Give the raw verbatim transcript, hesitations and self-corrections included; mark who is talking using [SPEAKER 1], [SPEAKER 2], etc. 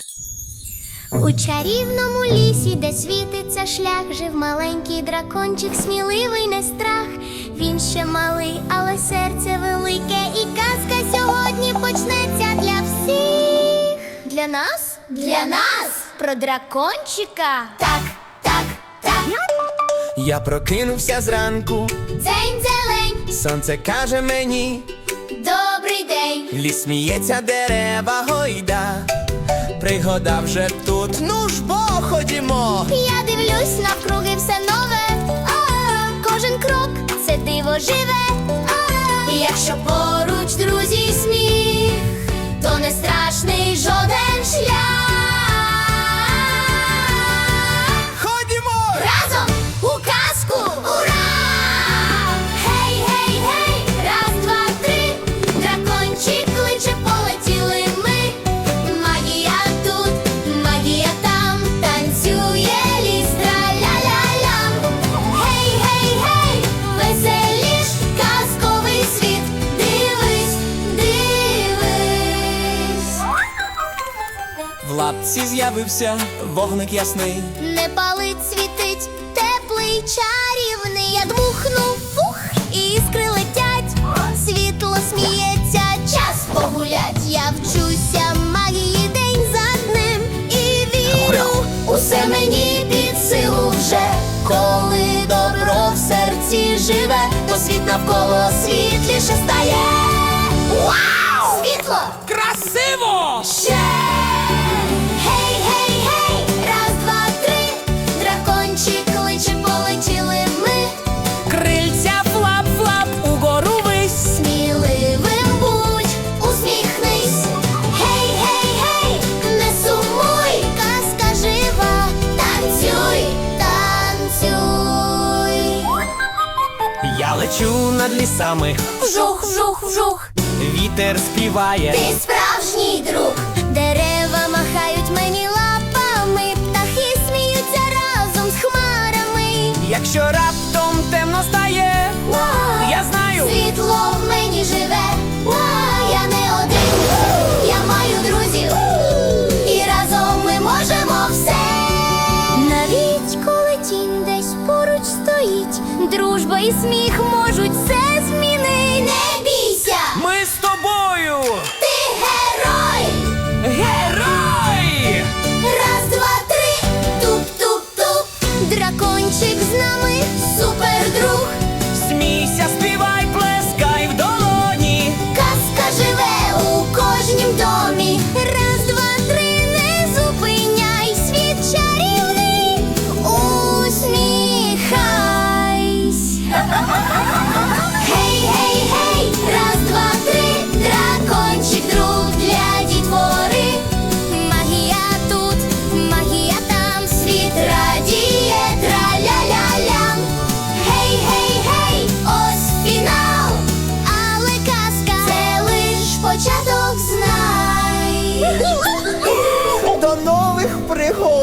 [SPEAKER 1] У чарівному лісі, де світиться шлях, жив маленький дракончик, сміливий, не страх. Він ще малий, але серце велике, і казка сьогодні почнеться для всіх. Для нас? Для нас! Про дракончика? Так, так, так.
[SPEAKER 2] Я прокинувся зранку,
[SPEAKER 1] Дзень зелень,
[SPEAKER 2] сонце каже мені,
[SPEAKER 1] добрий день.
[SPEAKER 2] ліс сміється, дерева гойда. Пригода вже тут, ну ж бо ходімо.
[SPEAKER 1] Я дивлюсь навкруги, все нове. А, кожен крок це диво живе. А, якщо поруч друзі й сміх, то не страшний жоден шлях.
[SPEAKER 2] Ходімо!
[SPEAKER 1] Разом у казку! Ура! Гей, гей, гей! Раз, два, три! Дракончик кличе, полетіли ми. Магія тут, магія там, танцює ліс, траля-ля-лям. Гей, гей, гей! Веселіш, казковий світ. Дивись, дивись.
[SPEAKER 2] В лапці з'явився вогник ясний.
[SPEAKER 1] Не палить, світить, теплий, чарівний. Я дмухну, фух, і іскри летять. Світло сміється, час погулять. Я вчуся магії день за днем і вірю, усе мені під силу вже. Коли добро в серці живе, то світ навколо світліше стає. Вау! Світло!
[SPEAKER 2] Красиво!
[SPEAKER 1] Ще! Гей, гей, гей! Раз, два, три! Дракончик кличе, полетіли ми.
[SPEAKER 2] Крильця флап-флап, угору вись.
[SPEAKER 1] Сміливим будь, усміхнись. Гей, гей, гей! Не сумуй, казка жива. Танцюй, танцюй.
[SPEAKER 2] Я лечу над лісами,
[SPEAKER 1] Вжух, вжух, вжух.
[SPEAKER 2] вітер співає.
[SPEAKER 1] Ти справжній друг. Дерева махають мені лапами, птахи сміються разом з хмарами.
[SPEAKER 2] Якщо раптом темно стає,
[SPEAKER 1] Ва!
[SPEAKER 2] я знаю.
[SPEAKER 1] Світло в мені живе. Ва! Я не один, я маю друзів. І разом ми можемо все. Навіть коли тінь десь поруч стоїть, дружба і сміх можуть все змінити. Не бійся,
[SPEAKER 2] Ми з тобою!
[SPEAKER 1] ти герой.
[SPEAKER 2] Герой!
[SPEAKER 1] Раз, два, три, туп-туп-туп. Дракончик з нами, супердруг.
[SPEAKER 2] Смійся, співай, плескай в долоні.
[SPEAKER 1] Казка живе у кожнім домі. Раз, два, три, не зупиняй, світ чарівний, усміхайсь. Гей, гей, гей, раз, два, три, дракончик друг для дітвори. Магія тут, магія там, світ радіє, траля-ля-лям. Гей, гей, гей, ось фінал, але казка це лиш початок, знай.
[SPEAKER 2] До нових пригод!